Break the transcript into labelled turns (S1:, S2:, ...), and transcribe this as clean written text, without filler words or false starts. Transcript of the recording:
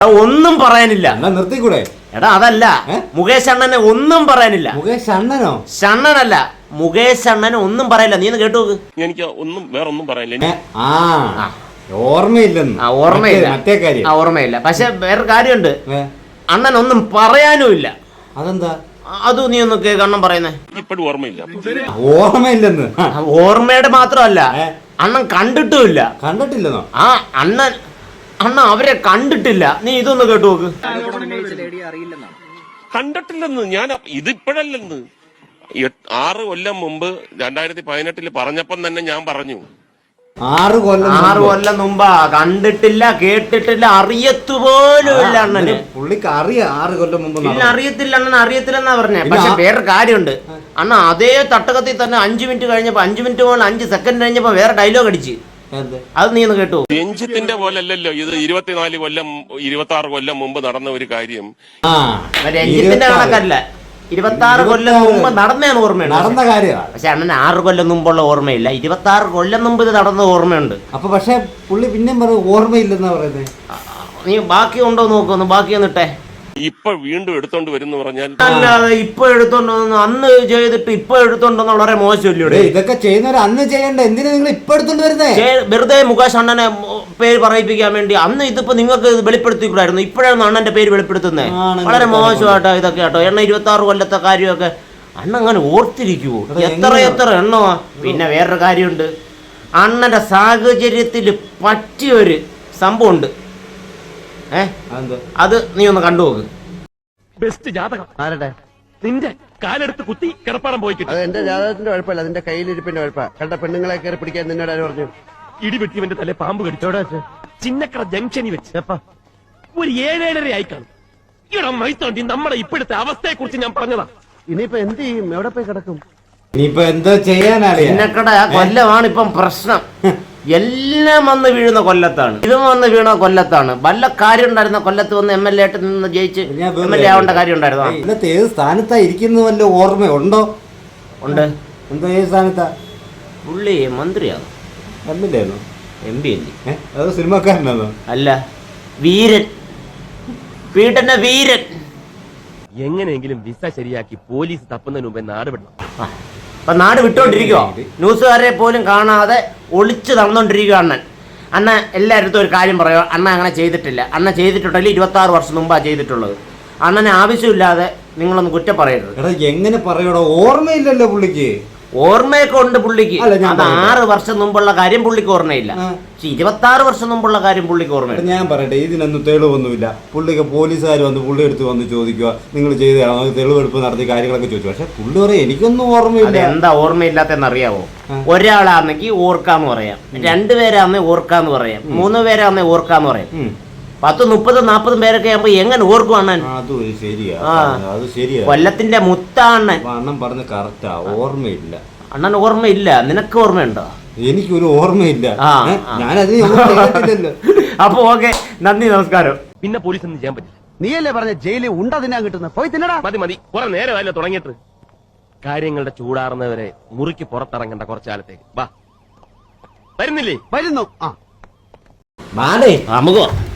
S1: ഒന്നും പറയാനില്ല.
S2: നിർത്തിക്കൂടെ?
S1: എടാ അതല്ല, മുകേഷ് അണ്ണനെ ഒന്നും പറയാനില്ല.
S2: മുകേഷ് അണ്ണനോ?
S1: ഷണ്ണനല്ല, മുകേഷ് അണ്ണനെ ഒന്നും പറയില്ല. നീ ഒന്ന് കേട്ടു നോക്ക്.
S3: എനിക്ക് ഒന്നും വേറെ ഒന്നും പറയാനില്ല.
S2: ഓർമ്മയില്ലെന്ന്.
S1: ഓർമ്മയില്ല,
S2: മറ്റേ കാര്യം
S1: ഓർമ്മയില്ല. പക്ഷെ വേറെ കാര്യമുണ്ട്, അണ്ണൻ ഒന്നും പറയാനും ഇല്ല.
S2: അതെന്താ?
S1: അത് നീ ഒന്ന് അണ്ണൻ പറയുന്നേ.
S3: ഇപ്പോഴും ഓർമ്മയില്ല.
S2: ഓർമ്മയില്ലെന്ന്.
S1: ഓർമ്മയുടെ മാത്രമല്ല, അണ്ണൻ കണ്ടിട്ടുമില്ല.
S2: കണ്ടിട്ടില്ലെന്നോ?
S1: ആ അണ്ണൻ അവരെ കണ്ടിട്ടില്ല. നീ ഇതൊന്ന് കേട്ടു നോക്ക്.
S3: കണ്ടിട്ടില്ലെന്ന് ഞാൻ ഇതിപ്പോഴല്ലെന്ന് 6 കൊല്ലം മുമ്പ് 2018 പറഞ്ഞപ്പം തന്നെ ഞാൻ പറഞ്ഞു.
S2: 6
S1: കൊല്ലം മുമ്പാ. കണ്ടിട്ടില്ല, കേട്ടിട്ടില്ല, അറിയത്തുപോലും ഇല്ല അണ്ണന്.
S2: പുള്ളിക്ക് അറിയാം 6 കൊല്ലം മുമ്പ്.
S1: ഇല്ല, അറിയത്തില്ല അണ്ണൻ, അറിയത്തില്ലെന്നാ പറഞ്ഞേ. പക്ഷെ വേറെ കാര്യമുണ്ട്, അണ്ണ അതേ തട്ടകത്തിൽ തന്നെ 5 മിനിറ്റ് കഴിഞ്ഞപ്പോ 5 മിനിറ്റ് പോലെ 5 സെക്കൻഡ് കഴിഞ്ഞപ്പോ വേറെ ഡയലോഗ് അടിച്ച്. അത് നീ ഒന്ന് കേട്ടു.
S3: രഞ്ജിത്തിന്റെ പോലെ അല്ലല്ലോ ഇത്. 24 കൊല്ലം 26 കൊല്ലം മുമ്പ് നടന്ന ഒരു കാര്യം.
S1: രഞ്ജിത്തിന്റെ കണക്കല്ല, 26 കൊല്ലം മുമ്പ് നടന്നതാണ് ഓർമ്മയുണ്ട്.
S2: നടന്ന കാര്യമാണ്.
S1: പക്ഷെ അണ്ണന് 6 കൊല്ലം മുമ്പുള്ള ഓർമ്മയില്ല, 26 കൊല്ലം മുമ്പ് ഇത് നടന്ന ഓർമ്മയുണ്ട്.
S2: അപ്പൊ പക്ഷെ പുള്ളി പിന്നെയും പറയും ഓർമ്മയില്ലെന്നാ പറയുന്നത്.
S1: നീ ബാക്കി ഉണ്ടോ നോക്കുന്നു, ബാക്കി ഒന്നിട്ടെ.
S3: ഇപ്പൊ വീണ്ടും എടുത്തോണ്ട് വരുന്ന പറഞ്ഞാൽ
S1: അല്ലാതെ ഇപ്പൊ എടുത്തോണ്ടോ, അന്ന് ചെയ്തിട്ട് ഇപ്പൊ എടുത്തോണ്ടെന്ന് വളരെ മോശമല്ലേ?
S2: ഇതൊക്കെ ചെയ്യുന്നവർ അന്ന് ചെയ്യണ്ട, എന്തിനാ നിങ്ങൾ ഇപ്പൊ എടുത്തോണ്ട് വരുന്നേ?
S1: വെറുതെ മുകേഷ് അണ്ണനെ പേര് പറയിപ്പിക്കാൻ വേണ്ടി. അന്ന് ഇതിപ്പോ നിങ്ങൾക്ക് വെളിപ്പെടുത്തിക്കൂടായിരുന്നു, ഇപ്പോഴാണ് അണ്ണന്റെ പേര് വെളിപ്പെടുത്തുന്നത്. വളരെ മോശമായിട്ടോ ഇതൊക്കെ കേട്ടോ. 26 കൊല്ലത്തെ കാര്യമൊക്കെ അണ്ണ അങ്ങനെ ഓർത്തിരിക്കുവോ? എത്ര എണ്ണമാ. പിന്നെ വേറൊരു കാര്യമുണ്ട്, അണ്ണന്റെ സാഹചര്യത്തിൽ പറ്റിയൊരു സംഭവം ഉണ്ട്. അത് നീ ഒന്ന് കണ്ടു നോക്ക്.
S4: ബെസ്റ്റ് ജാതകം ആരുടെ? നിന്റെ കാലെടുത്ത് കുത്തി കിടപ്പാടം പോയി കിട്ടും.
S5: അത് എന്റെ ജാതകത്തിന്റെ കുഴപ്പമില്ല, അതിന്റെ കയ്യിലിരിപ്പിന്റെ കുഴപ്പ. കണ്ട പെണ്ണുങ്ങളെ കയറി പിടിക്കാൻ നിന്നോട് ആര് പറഞ്ഞു?
S4: ഇടിവെട്ടിവന്റെ തലേ പാമ്പ് കടിച്ചോടെ ചിന്നക്കട ജംഗ്ഷനിൽ വെച്ച് ഒരു 7-7:30 ആയി കാണും. ഇവിടെ മൈത്തോണ്ടി നമ്മുടെ ഇപ്പോഴത്തെ അവസ്ഥയെ കുറിച്ച് ഞാൻ പറഞ്ഞതാ.
S5: ഇനിയിപ്പോ എന്ത് ചെയ്യും? എവിടെ പോയി കിടക്കും?
S2: ഇനിയിപ്പോ എന്താ ചെയ്യാനറിയാം.
S1: ചിന്നക്കട കൊല്ലമാണ് ഇപ്പം പ്രശ്നം. എല്ലാം വന്ന് വീഴുന്ന കൊല്ലത്താണ്, ഇതും വന്ന് വീണ കൊല്ലത്താണ്. വല്ല കാര്യം ഉണ്ടായിരുന്ന കൊല്ലത്ത് വന്ന് MLA ആയിട്ട് നിന്ന് ജയിച്ച് MLA ആവേണ്ട കാര്യം ഉണ്ടായിരുന്നു.
S2: ഇന്നത്തെ ഏത് സ്ഥാനത്താ ഇരിക്കുന്ന വല്ല ഓർമ്മയുണ്ടോ? ഉണ്ട്. എന്താ ഏത് സ്ഥാനത്താ?
S1: പുള്ളി മന്ത്രിയാണ്.
S2: MLA ആണോ?
S1: MP അല്ലേ?
S2: അത് സിനിമക്കാരനാണോ? അല്ല,
S1: വീരൻ, വീട്ടന്റെ വീരൻ.
S4: എങ്ങനെയെങ്കിലും വിസ ശരിയാക്കി പോലീസ് തപ്പുന്നതിന് മുമ്പേ നാട് വിടണം.
S1: അപ്പൊ നാട് വിട്ടോണ്ടിരിക്കുവോ? ന്യൂസുകാരെ പോലും കാണാതെ ഒളിച്ചു നടന്നോണ്ടിരിക്കുക അണ്ണൻ എല്ലായിടത്തും ഒരു കാര്യം പറയുക, അണ്ണ അങ്ങനെ ചെയ്തിട്ടില്ല. അണ്ണ ചെയ്തിട്ടുണ്ടെങ്കിൽ 26 വർഷം മുമ്പാ ചെയ്തിട്ടുള്ളത്. അണ്ണനെ ആവശ്യമില്ലാതെ നിങ്ങളൊന്ന് കുറ്റം പറയരുത്.
S2: എടാ എങ്ങനെ പറയണോ? ഓർമ്മയില്ലല്ലോ പുള്ളിക്ക്.
S1: ഓർമ്മയൊക്കെ ഉണ്ട് പുള്ളിക്ക്. അത് 6 വർഷം മുമ്പുള്ള കാര്യം പുള്ളിക്ക് ഓർമ്മയില്ല. 26 വർഷം മുമ്പുള്ള കാര്യം പുള്ളിക്ക് ഓർമ്മയില്ല.
S2: ഞാൻ പറയട്ടെ, ഇതിനൊന്നും തെളിവൊന്നുമില്ല. പുള്ളിക്ക് പോലീസുകാർ വന്ന് പുള്ളി എടുത്ത് വന്ന് ചോദിക്കുക, നിങ്ങൾ ചെയ്തതാണോ, തെളിവെടുപ്പ് നടത്തി കാര്യങ്ങളൊക്കെ ചോദിച്ചു. പക്ഷെ പുള്ളി പറയാം എനിക്കൊന്നും ഓർമ്മയില്ല.
S1: എന്താ ഓർമ്മയില്ലാത്തെന്ന് അറിയാവോ? ഒരാളാണെങ്കിൽ ഓർക്കാന്ന് പറയാം, 2 പേരാന്നേ ഓർക്കാന്ന് പറയാം, 3 പേരാന്നേ ഓർക്കാന്ന് പറയാം. 10, 30, 40 പേരൊക്കെ ആകുമ്പോ എങ്ങനെ ഓർക്കും അണ്ണൻ?
S2: അത് ശരിയാ, അത് ശരിയാ.
S1: കൊല്ലത്തിന്റെ മുത്താണ്ണൻ.
S2: അണ്ണൻ പറഞ്ഞ കറക്റ്റാ, ഓർമ്മയില്ല.
S1: അണ്ണൻ ഓർമ്മയില്ല, നിനക്ക് ഓർമ്മയുണ്ടോ?
S2: എനിക്കൊരു ഓർമ്മയില്ല. ഞാനത്
S1: അപ്പൊ ഓക്കെ, നന്ദി, നമസ്കാരം.
S4: പിന്നെ പോലീസ് ഒന്നും ചെയ്യാൻ പറ്റില്ല.
S5: നീയല്ലേ പറഞ്ഞ ജയിലിൽ ഉണ്ട തിന്നാൻ കിട്ടുന്നത്? പോയി തിന്നടാ.
S4: മതി, കുറെ നേരമല്ലോ തുടങ്ങിയിട്ട്. കാര്യങ്ങളുടെ ചൂടാറുന്നവരെ മുറിക്ക് പുറത്തിറങ്ങേണ്ട കുറച്ചാലത്തേക്ക് വാ. വരുന്നില്ലേ?
S5: വരുന്നു.
S1: നമുക്കോ